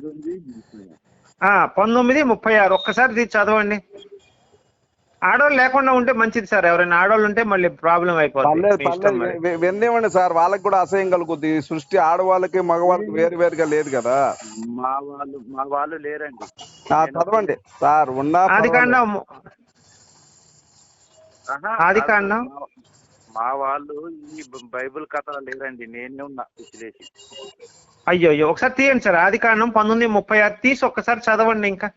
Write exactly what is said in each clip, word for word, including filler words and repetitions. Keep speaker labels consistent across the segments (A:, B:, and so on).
A: పంతొమ్మిది ముప్పై ఆరు ఒక్కసారి తీసి చదవండి. ఆడవాళ్ళు లేకుండా ఉంటే మంచిది సార్. ఎవరైనా ఆడవాళ్ళు ఉంటే మళ్ళీ ప్రాబ్లం అయిపోతుంది.
B: వినేవ్వండి సార్, వాళ్ళకి కూడా అసహ్యం కలుగుద్ది. సృష్టి ఆడవాళ్ళకి మగవాళ్ళకి వేరు వేరుగా లేదు కదా.
C: మా వాళ్ళు మా వాళ్ళు లేరండి.
B: చదవండి సార్. ఉన్న
A: ఆది కాండం ఆది కాండం
C: మా వాళ్ళు ఈ బైబిల్ కథ లేరండి. నేనే ఉన్నా విశ్లేషి.
A: అయ్యో అయ్యో ఒకసారి తీయండి సార్. ఆది కాండం పంతొమ్మిది ముప్పై ఆరు తీసి ఒక్కసారి చదవండి. ఇంకా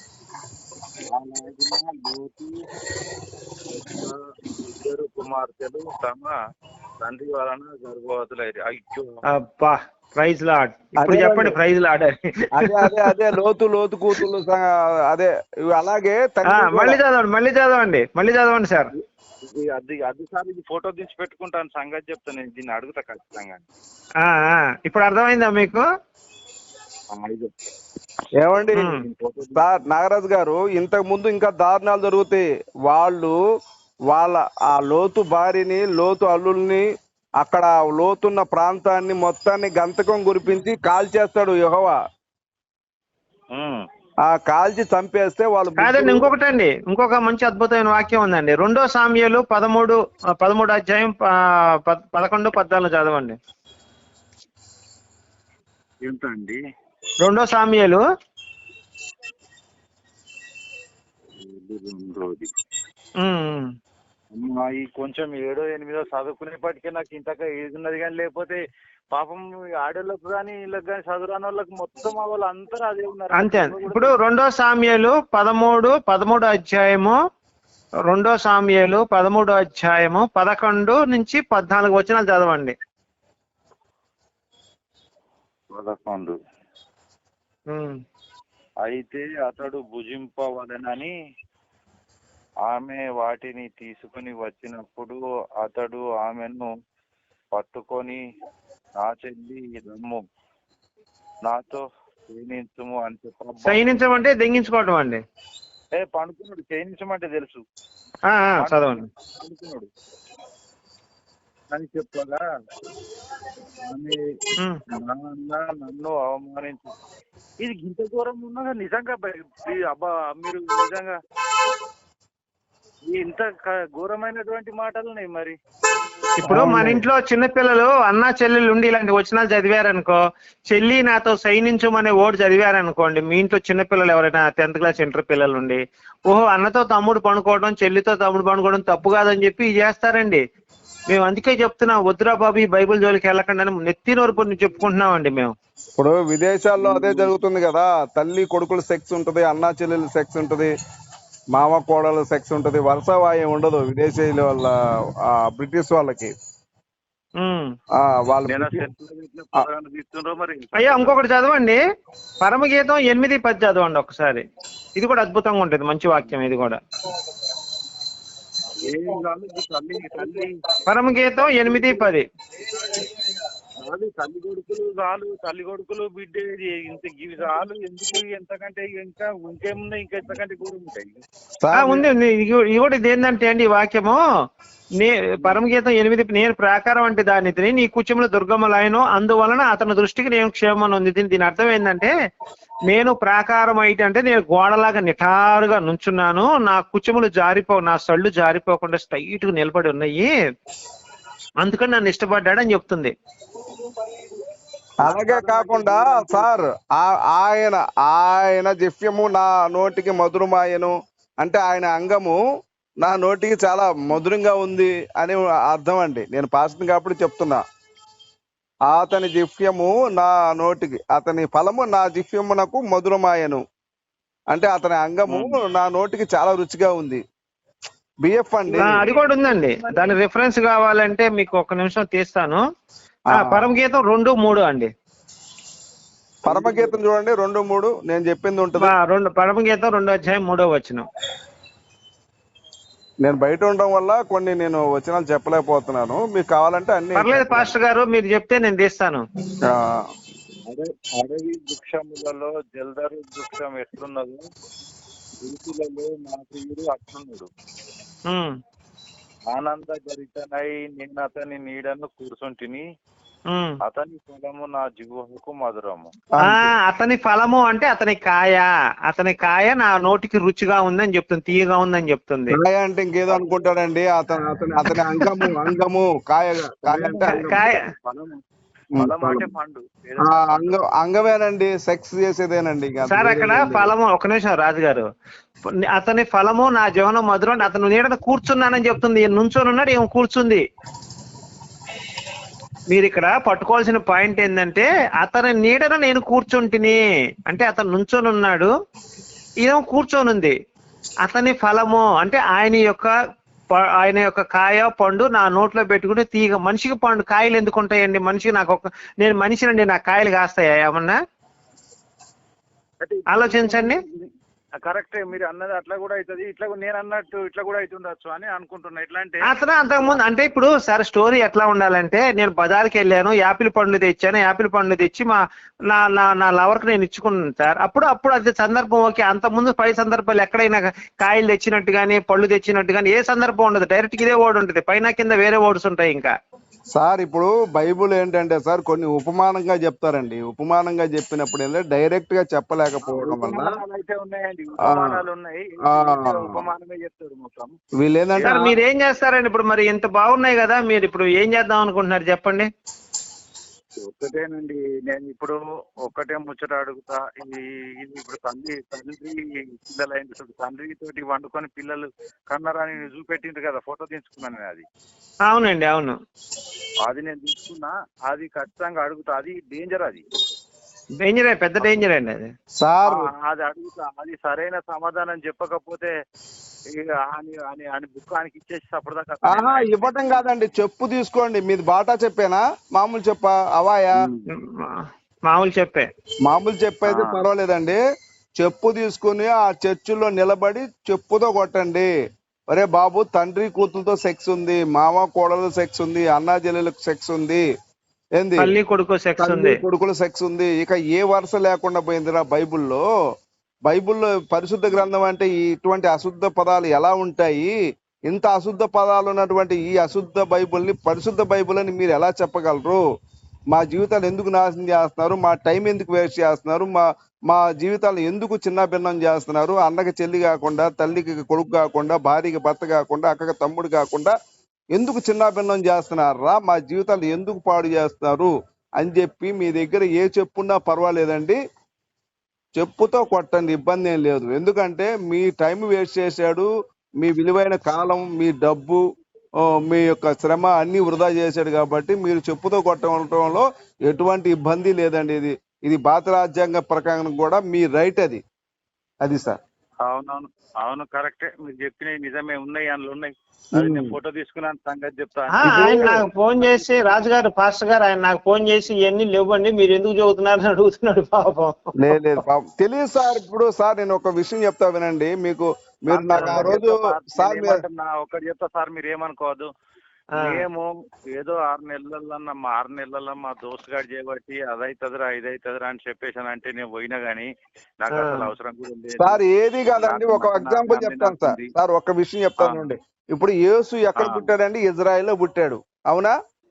C: ఇద్దరు కుమార్తెలు తమ తండ్రి వలన గర్భవతులైరు. అయ్యో
A: అబ్బా, ప్రైజ్ లార్డ్. ఇప్పుడు చెప్పండి ప్రైజ్ లార్డ్.
B: అదే అదే అదే లోతు లోతు కూతుళ్ళు అదే అలాగే.
A: మళ్ళీ చదవండి మళ్ళీ చదవండి మళ్ళీ చదవండి సార్.
C: అది అది సార్ ఇది ఫోటో తీసి పెట్టుకుంటాను, సంగతి చెప్తాను. నేను దీన్ని అడుగుతా ఖచ్చితంగా.
A: ఇప్పుడు అర్థమైందా మీకు?
B: ఏమండి సార్ నాగరాజు గారు, ఇంతకు ముందు ఇంకా దారుణాలు జరుగుతాయి. వాళ్ళు వాళ్ళ ఆ లోతు భార్యని, లోతు అల్లుల్ని, అక్కడ లోతున్న ప్రాంతాన్ని మొత్తాన్ని గంతకం కురిపించి కాల్చేస్తాడు యెహోవా. ఆ కాల్చి చంపేస్తే వాళ్ళు.
A: కాదండి, ఇంకొకటండి, ఇంకొక మంచి అద్భుతమైన వాక్యం ఉందండి. రెండో సామ్యాలు పదమూడు పదమూడు అధ్యాయం పదకొండు పద్నాలుగు చదవండి.
C: ఏంటండి?
A: రెండో సామ్యాలు
C: ఈ కొంచెం ఏడో ఎనిమిదో చదువుకునేప్పటికే నాకు ఇంతగా ఏది ఉన్నది కానీ, లేకపోతే పాపం ఆడోళ్ళకు కానీ వీళ్ళకి కానీ చదువురాని వాళ్ళకి మొత్తం వాళ్ళు అందరూ అదే ఉన్నారు.
A: అంతే. ఇప్పుడు రెండో సామ్యాలు పదమూడు పదమూడు అధ్యాయము రెండో సామ్యాలు పదమూడు అధ్యాయము పదకొండు నుంచి పద్నాలుగు వచనాలు చదవండి.
C: పదకొండు. అయితే అతడు భుజింపవలెనని ఆమె వాటిని తీసుకుని వచ్చినప్పుడు అతడు ఆమెను పట్టుకొని, నా చెల్లి రమ్ము, నాతో క్షీణించుము అని చెప్ప.
A: క్షీణించమంటే దెంగించుకోవటం అండి.
C: ఏ పండుకున్నాడు. క్షీణించమంటే తెలుసు,
A: చదవండి.
C: పండుకున్నాడు అని చెప్పగా ఆమె నన్ను అవమానించు. ఇది ఇంత దూరం ఉన్నదా నిజంగా? అబ్బా, మీరు నిజంగా ఇంత ఘోరమైనటువంటి మాటలున్నాయి. మరి
A: ఇప్పుడు మన ఇంట్లో చిన్నపిల్లలు అన్నా చెల్లెలు ఉండి ఇలాంటి వచనాలు చదివారనుకో, చెల్లి నాతో సైనించమనే ఓటు చదివారనుకోండి, మీ ఇంట్లో చిన్నపిల్లలు ఎవరైనా టెన్త్ క్లాస్ ఇంటర్ పిల్లలు ఉండి, ఓహో అన్నతో తమ్ముడు పనుకోవడం, చెల్లితో తమ్ముడు పనుకోవడం తప్పు కాదని చెప్పి చేస్తారండి. మేము అందుకే చెప్తున్నాం, వద్దురా బాబు ఈ బైబుల్ జోలికి వెళ్ళకండి అని నెత్తి నోరు చెప్పుకుంటున్నామండి మేము.
B: ఇప్పుడు విదేశాల్లో అదే జరుగుతుంది కదా. తల్లి కొడుకుల సెక్స్ ఉంటది, అన్నా చెల్లెల సెక్స్ ఉంటది, మామ కోడల సెక్స్ ఉంటది. వరుసవాయం ఉండదు విదేశీయుల వాళ్ళ, బ్రిటిష్ వాళ్ళకి.
A: అయ్యా ఇంకొకటి చదవండి, పరమగీతం ఎనిమిది పది చదవండి ఒకసారి. ఇది కూడా అద్భుతంగా ఉంటుంది, మంచి వాక్యం ఇది కూడా. పరమగీతం ఎనిమిది పది.
C: తల్లి కొడుకులు చాలు, తల్లి కొడుకులు బిడ్డ ఇంత ఇవి చాలు. ఎందుకు ఎంతకంటే ఇంకా ఇంకేమున్నాయి? ఇంకా ఎంతకంటే కూడా ఉంటాయి.
A: ఉంది ఉంది. ఇది కూడా ఇది ఏంటంటే అండి, ఈ వాక్యము నే పరమగీతం ఎనిమిది, నేను ప్రాకారం అంటే దాన్ని నీ కుచములు దుర్గములైన అందువలన అతని దృష్టికి నేను క్షేమం ఉంది. దీని అర్థం ఏంటంటే, నేను ప్రాకారం అయితే అంటే నేను గోడలాగా నిటారుగా నుంచున్నాను, నా కుచములు జారిపో నా సళ్ళు జారిపోకుండా స్ట్రైట్ గా నిలబడి ఉన్నాయి, అందుకని నన్ను ఇష్టపడ్డాడు అని చెప్తుంది.
B: అలాగే కాకుండా సార్, ఆయన ఆయన జిఫ్యము నా నోటికి మధురమాయను అంటే ఆయన అంగము నా నోటికి చాలా మధురంగా ఉంది అని అర్థం అండి. నేను పాస్టర్ కాబట్టి చెప్తున్నా. అతని జిఫ్యము నా నోటికి, అతని ఫలము నా జిఫ్యమునకు మధురమాయను అంటే అతని అంగము నా నోటికి చాలా రుచిగా ఉంది. బిఎఫ్ అండి,
A: అది కూడా ఉందండి. దాని రిఫరెన్స్ కావాలంటే మీకు ఒక నిమిషం తీస్తాను. పరమగీతం రెండు మూడు అండి.
B: పరమగీతం చూడండి రెండు మూడు. నేను చెప్పింది ఉంటుంది.
A: రెండు పరమగీతం రెండో అధ్యాయం మూడో వచనం.
B: నేను బయట ఉండడం వల్ల కొన్ని నేను వచనాలు చెప్పలేకపోతున్నాను. మీకు కావాలంటే అన్ని.
A: పర్లేదు పాస్టర్ గారు, మీరు చెప్తే నేను తీస్తాను.
C: అడవి వృక్షములలో జల్దరు వృక్షం ఎట్లున్నదో ఋతులలో నా ప్రియుడు అట్లున్నాడు. ఆనంద గరితనై నిన్న అతని నీడను కూర్చుంటిని,
A: ఉమ్.
C: అతని ఫలము నా జిహ్వకు మధురము.
A: ఆ అతని ఫలము అంటే అతని కాయ, అతని కాయ నా నోటికి రుచిగా ఉందని చెప్తుంది, తీయగా ఉందని చెప్తుంది.
B: కాయ అంటే ఇంకేదో అనుకుంటాడండి. అతను అతని అతని అంగము అంగము కాయ కాయ అంటే అంగము.
A: కాయ
C: ఫలము
B: ఉమ్,
C: ఫలం అంటే
B: ఫలం.
C: పండు.
B: ఆ,
C: ఏదైనా పండు.
B: అంగం అంగమేనండి, సెక్స్ చేసేదేనండి. ఇంకా
A: సార్
B: వేరే
A: అక్కడ
B: ఏం లేదు.
A: ఫలము, ఒక నిమిషం రాజుగారు, అతని ఫలము నా జీవనం మధురం, అతను నీడన కూర్చున్నానని చెప్తుంది. ఈయన నుంచొని ఉన్నాడు, ఏమో కూర్చుంది. మీరు ఇక్కడ పట్టుకోవాల్సిన పాయింట్ ఏంటంటే అతని నీడన నేను కూర్చుంటిని అంటే అతను నుంచొని ఉన్నాడు, ఈయన కూర్చొని ఉంది. అతని ఫలము అంటే ఆయన యొక్క ప- ఆయన యొక్క కాయ పండు నా నోట్లో పెట్టుకుంటే తీగ. మనిషికి పండు కాయలు ఎందుకు ఉంటాయండి? మనిషికి నాకు ఒక నేను మనిషినండి, నాకు కాయలు కాస్తాయా ఏమన్నా?
C: అంటే
A: ఆలోచించండి.
C: కరెక్టే, మీరు అన్నది అట్లా కూడా అవుతుంది, ఇట్లా కూడా నేను అన్నట్టు ఇట్లా కూడా అవుతుండొచ్చు అని అనుకుంటున్నా. ఎట్లా అంటే
A: అతను అంతకుముందు అంటే ఇప్పుడు సార్ స్టోరీ ఎట్లా ఉండాలంటే, నేను బజార్కి వెళ్ళాను, యాపిల్ పండ్లు తెచ్చాను, యాపిల్ పండ్లు తెచ్చి మా నా నా నా లవర్కి నేను ఇచ్చుకున్నాను సార్. అప్పుడు అప్పుడు అది సందర్భం ఓకే. అంత ముందు పై సందర్భాలు ఎక్కడైనా కాయలు తెచ్చినట్టు కానీ పళ్ళు తెచ్చినట్టు కానీ ఏ సందర్భం ఉండదు. డైరెక్ట్ ఇదే వర్డ్ ఉంటుంది, పైన కింద వేరే వర్డ్స్ ఉంటాయి. ఇంకా
B: సార్ ఇప్పుడు బైబుల్ ఏంటంటే సార్ కొన్ని ఉపమానంగా చెప్తారండి. ఉపమానంగా చెప్పినప్పుడు ఏంటంటే డైరెక్ట్ గా చెప్పలేకపోవడం వల్ల
C: ఉపమానాలు అయితే ఉన్నాయండి, ఉపమానాలు ఉన్నాయి.
B: ఆ.
C: ఉపమానమే చెప్తారు మొత్తం.
B: వీళ్ళు ఏంటంటే
A: సార్ మీరు ఏం చేస్తారండి ఇప్పుడు? మరి ఇంత బాగున్నాయి కదా, మీరు ఇప్పుడు ఏం చేద్దాం అనుకుంటున్నారు చెప్పండి.
C: ఒక్కటేనండి, నేను ఇప్పుడు ఒక్కటే ముచ్చట అడుగుతా. ఇది ఇది ఇప్పుడు తండ్రి తండ్రి పిల్లలైంది చూడు, తండ్రి తోటి వండుకొని పిల్లలు కన్నరాని చూపెట్టిండ్రు కదా, ఫోటో తీసుకున్నాను నేను. అది
A: అవునండి, అవును.
C: అది నేను తీసుకున్నా, అది ఖచ్చితంగా అడుగుతా. అది డేంజర్, అది
A: డేంజరే, పెద్ద డేంజర్ అండి అది.
B: సార్
C: ఆ, అది అడుగుతా. అది సరైన సమాధానం చెప్పకపోతే ఇక అని అని అని బుక్ ఆయనకి ఇచ్చేసి అప్పటిదాకా
B: ఆహా ఇవ్వటం కాదండి, చెప్పు తీసుకోండి. మీది బాటా చెప్పేనా మామూలు చెప్పా అవాయా?
A: మా- మామూలు చెప్పే.
B: మామూలు చెప్పైతే
C: ఆ.
B: పర్వాలేదండి. చెప్పు తీసుకుని ఆ చర్చిలో నిలబడి చెప్పుతో కొట్టండి. ఒరే బాబు, తండ్రి కూతురుతో సెక్స్ ఉంది, మామ కోడలు సెక్స్ ఉంది, అన్నా చెల్లెలకు సెక్స్ ఉంది, ఏంది
A: తల్లి కొడుకు సెక్స్
B: తల్లి
A: ఉంది.
B: కొడుకుల సెక్స్ ఉంది. ఇక ఏ వరుస లేకుండా పోయిందిరా బైబుల్లో. బైబుల్లో పరిశుద్ధ గ్రంథం అంటే ఇటువంటి అశుద్ధ పదాలు ఎలా ఉంటాయి? ఇంత అశుద్ధ పదాలు ఉన్నటువంటి ఈ అశుద్ధ బైబుల్ని పరిశుద్ధ బైబుల్ అని మీరు ఎలా చెప్పగలరు? మా జీవితాలు ఎందుకు నాశనం చేస్తున్నారు? మా టైం ఎందుకు వేస్ట్ చేస్తున్నారు? మా మా జీవితాలు ఎందుకు చిన్న భిన్నం చేస్తున్నారు? అన్నకి చెల్లి కాకుండా, తల్లికి కొడుకు కాకుండా, భార్యకి భర్త కాకుండా, అక్కకి తమ్ముడు కాకుండా ఎందుకు చిన్న భిన్నం చేస్తున్నారా? మా జీవితాలు ఎందుకు పాడు చేస్తున్నారు అని చెప్పి మీ దగ్గర ఏ చెప్పున్నా పర్వాలేదండి, చెప్పుతో కొట్టండి, ఇబ్బంది ఏం లేదు. ఎందుకంటే మీ టైం వేస్ట్ చేశాడు, మీ విలువైన కాలం, మీ డబ్బు, ఆ, మీ యొక్క శ్రమ అన్ని వృధా చేశాడు. కాబట్టి మీరు చెప్పుతో కొట్టడంలో ఎటువంటి ఇబ్బంది లేదండి. ఇది ఇది భారత రాజ్యాంగ ప్రకారం కూడా మీ రైట్. అది అది సార్.
C: అవునవును, అవును, కరెక్టే. మీరు చెప్పినవి నిజమే, ఉన్నాయి, అందులో ఉన్నాయి. అది నేను ఫోటో తీసుకున్నాను, సంగతి చెప్తా.
A: ఆ, ఆయన నాకు ఫోన్ చేసి, రాజుగారు పాస్టర్ గారు ఆయన నాకు ఫోన్ చేసి ఇవన్నీ లేవండి మీరు ఎందుకు చదువుతున్నారని అడుగుతున్నాడు పాపం.
B: లేదు లేదు పాపం తెలియదు సార్. ఇప్పుడు సార్ నేను ఒక విషయం చెప్తా వినండి. మీకు మీరు నాకు ఆ రోజు సార్ మీరు
C: నా ఒకటి చెప్తా సార్, మీరు ఏమనుకోవద్దు. మేము ఏదో ఆరు నెలలన్నా మా ఆరు నెలల్లో మా దోస్తు గారు చేయబట్టి అదైతుందిరా ఇదైతుందిరా అని చెప్పేసాను అంటే నేను పోయినా గానీ నాకు అసలు అవసరం కూడా లేదు
B: సార్. ఏది కాదండి, ఒక ఎగ్జాంపుల్ చెప్తాను సార్. సార్ ఒక విషయం చెప్తానండి. ఇప్పుడు యేసు ఎక్కడ పుట్టాడండి? ఇజ్రాయెల్ లో పుట్టాడు, అవునా?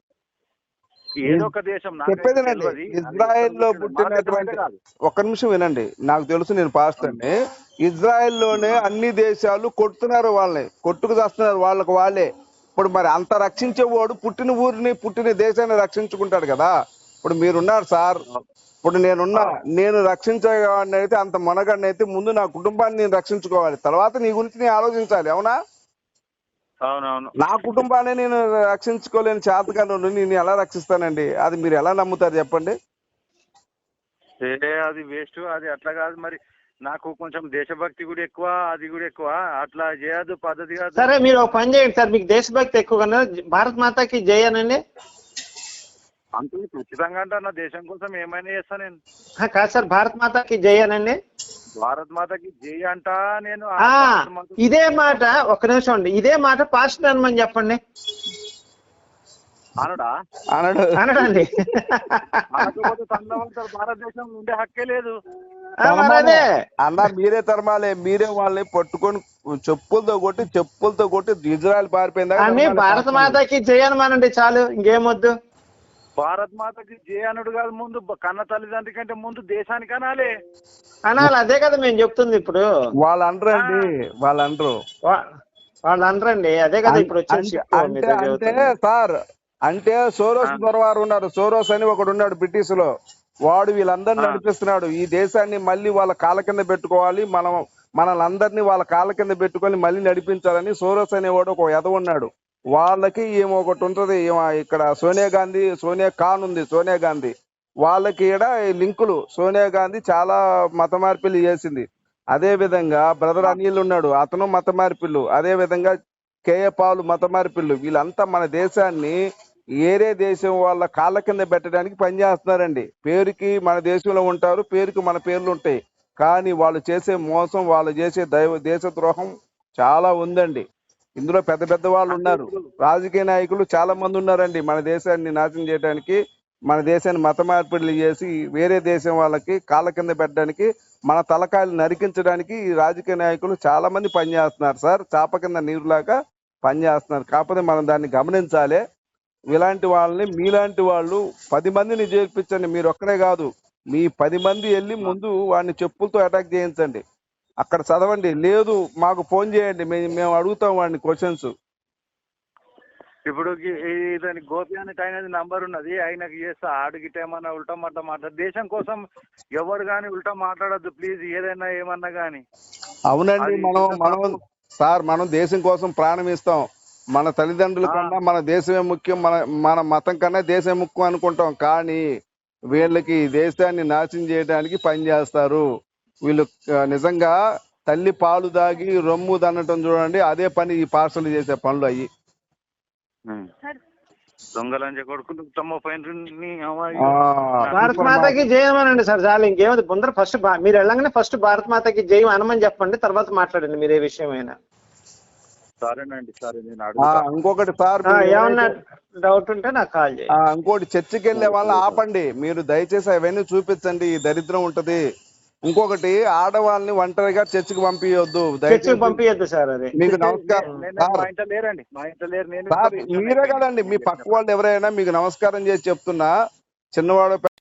C: ఏదో ఒక దేశం
B: చెప్పేదేనండి, ఇజ్రాయెల్ లో పుట్టినటువంటి, ఒక్క నిమిషం వినండి, నాకు తెలుసు, నేను పాస్టర్ అండి. ఇజ్రాయెల్ లోనే అన్ని దేశాలు కొడుతున్నారు వాళ్ళని, కొట్టుకు చేస్తున్నారు వాళ్ళకి వాళ్ళే. ఇప్పుడు మరి అంత రక్షించేవాడు పుట్టిన ఊరిని పుట్టిన దేశాన్ని రక్షించుకుంటాడు కదా. ఇప్పుడు మీరున్నారు సార్, ఇప్పుడు నేనున్నా, నేను రక్షించేవాడిని అయితే, అంత మొనగాడిని అయితే ముందు నా కుటుంబాన్ని నేను రక్షించుకోవాలి, తర్వాత నీ గురించి నేను ఆలోచించాలి, అవునా?
C: అవునవును.
B: నా కుటుంబాన్ని నేను రక్షించుకోలేని చేతకాను నేను ఎలా రక్షిస్తానండి? అది మీరు ఎలా నమ్ముతారు చెప్పండి?
C: అది వేస్ట్, అది అట్లా కాదు. మరి నాకు కొంచెం దేశభక్తి కూడా ఎక్కువ, అది కూడా ఎక్కువ, అట్లా చేయదు, పద్ధతి కాదు.
A: సరే మీరు ఒక పని చేయండి సార్, మీకు దేశభక్తి ఎక్కువ కన్నా భారత్ మాతాకి జై అనండి.
C: అంతే ఖచ్చితంగా అంట, నా దేశం కోసం ఏమైనా చేస్తా నేను.
A: కాదు సార్, భారత్ మాతాకి జై అనండి.
C: భారత్ మాతకి జై అంట నేను.
A: ఆ ఇదే మాట, ఒక్క నిమిషం అండి, ఇదే మాట పాస్టర్ అనమని చెప్పండి.
C: అనడా
B: అనడు
A: అనడండి.
C: అనకపోతే తనవంతా భారతదేశంలో ఉండే హక్కే లేదు.
A: అదే
B: అన్న మీరే తరమాలే, మీరే వాళ్ళని పట్టుకొని చెప్పులతో కొట్టి చెప్పులతో కొట్టి ఇజ్రాయెల్ పారిపోయిందా?
A: భారత మాతాకి జై అనమానండి చాలు, ఇంకేమొద్దు.
C: భారత్ మాతకి జే అనుడు కాదు, ముందు కన్న తల్లిదండ్రి కంటే ముందు దేశానికి అనాలి.
A: అనాలి, అదే కదా మేము చెప్తుంది ఇప్పుడు.
B: వాళ్ళు అనరండి, వాళ్ళు అనరు.
A: వా- వాళ్ళు అనరండి, అదే కదా ఇప్పుడు వచ్చిన
B: అంటే
A: చిక్కు
B: అంటే
A: మీతో
B: అంటే
A: చెబుతుంది.
B: సార్, అంటే సోరోస్ దొరవారు ఉన్నారు, సోరోస్ అని ఒకడు ఉన్నాడు బ్రిటిష్ లో, వాడు వీళ్ళందరినీ
C: ఆ.
B: నడిపిస్తున్నాడు. ఈ దేశాన్ని మళ్ళీ వాళ్ళ కాళ్ళ కింద పెట్టుకోవాలి, మనం మనల్ని అందరినీ వాళ్ళ కాళ్ళ కింద పెట్టుకొని మళ్ళీ నడిపించాలని సోరోస్ అనేవాడు ఒక ఎద ఉన్నాడు. వాళ్ళకి ఏమో ఒకటి ఉంటది, ఏమో ఇక్కడ సోనియా గాంధీ, సోనియా ఖాన్ ఉంది, సోనియా గాంధీ వాళ్ళకి ఈడ లింకులు. సోనియా గాంధీ చాలా మత మార్పిడి చేసింది. అదే విధంగా బ్రదర్ అనిల్ ఉన్నాడు, అతను మత మార్పిళ్ళు. అదే విధంగా కేఏ పాల్ మత మార్పిళ్ళు. వీళ్ళంతా మన దేశాన్ని ఏరే దేశం వాళ్ళ కాళ్ళ కింద పెట్టడానికి పనిచేస్తున్నారండి. పేరుకి మన దేశంలో ఉంటారు, పేరుకి మన పేర్లు ఉంటాయి, కానీ వాళ్ళు చేసే మోసం, వాళ్ళు చేసే దైవ దేశ ద్రోహం చాలా ఉందండి. ఇందులో పెద్ద పెద్ద వాళ్ళు ఉన్నారు, రాజకీయ నాయకులు చాలా మంది ఉన్నారండి మన దేశాన్ని నాశనం చేయడానికి, మన దేశాన్ని మత మార్పిడులు చేసి వేరే దేశం వాళ్ళకి కాళ్ళ కింద పెట్టడానికి, మన తలకాయలు నరికించడానికి ఈ రాజకీయ నాయకులు చాలా మంది పనిచేస్తున్నారు సార్. చాప కింద నీరులాగా పనిచేస్తున్నారు. కాకపోతే మనం దాన్ని గమనించాలి. ఇలాంటి వాళ్ళని, మీలాంటి వాళ్ళు పది మందిని చేర్పించండి. మీరు ఒక్కడే కాదు, మీ పది మంది వెళ్ళి ముందు వాడిని చెప్పులతో అటాక్ చేయించండి. అక్కడ చదవండి, లేదు మాకు ఫోన్ చేయండి, మేము మేము అడుగుతాం వాడిని క్వశ్చన్స్.
C: ఇప్పుడు ఇతని గోపి అని ఆయనది నంబర్ ఉన్నది, ఆయనకి చేస్తా. ఆడిగిట ఏమన్నా ఉల్టా మాట మాట్లాడు. దేశం కోసం ఎవరు కానీ ఉల్టా మాట్లాడద్దు ప్లీజ్, ఏదైనా ఏమన్నా కానీ.
B: అవునండి, మనం మనం సార్ మనం దేశం కోసం ప్రాణం ఇస్తాం. మన తల్లిదండ్రుల కన్నా మన దేశమే ముఖ్యం, మన మన మతం కన్నా దేశం ముఖ్యం అనుకుంటాం. కానీ వీళ్ళకి దేశాన్ని నాశనం చేయడానికి పని చేస్తారు వీళ్ళు. నిజంగా తల్లి పాలు దాగి రొమ్ము దన్నటం చూడండి, అదే పని ఈ పార్సల్ చేసే పనులు అయ్యి.
C: దొంగలంజ కొడుకులు తమ పైన
A: భారత్ మాతకి జయమనండి సార్, చాలు. ఇంకేమది ముందర ఫస్ట్ మీరు వెళ్ళగానే ఫస్ట్ భారత్ మాతకి జయం అనమని చెప్పండి, తర్వాత మాట్లాడండి మీరు ఏ విషయమైనా.
C: సరేనండి, సరే నేను
B: ఆ,
C: అడుగుతా.
B: ఇంకొకటి సార్,
A: ఆ,
B: మీరు
A: ఏమన్నా డౌట్ ఉంటే నాకు కాల్
B: ఆ,
A: చేయండి.
B: ఇంకోటి చర్చికి వెళ్ళే వాళ్ళని ఆపండి. మీరు దయచేసి అవన్నీ చూపించండి, ఈ దరిద్రం ఉంటది. ఇంకొకటి, ఆడవాళ్ళని ఒంటరిగా చర్చికి పంపించొద్దు
A: చర్చికి
B: దయచేసి.
A: పంపించద్దు సార్, అది
B: మీకు నమస్కారం
C: నేను
B: సార్.
C: మా ఇంట్లో లేరండి, మా ఇంట్లో లేరు. నేను
B: సార్ మీరే కదండి, మీ పక్క వాళ్ళు ఎవరైనా మీకు నమస్కారం చేసి చెప్తున్నా, చిన్నవాడు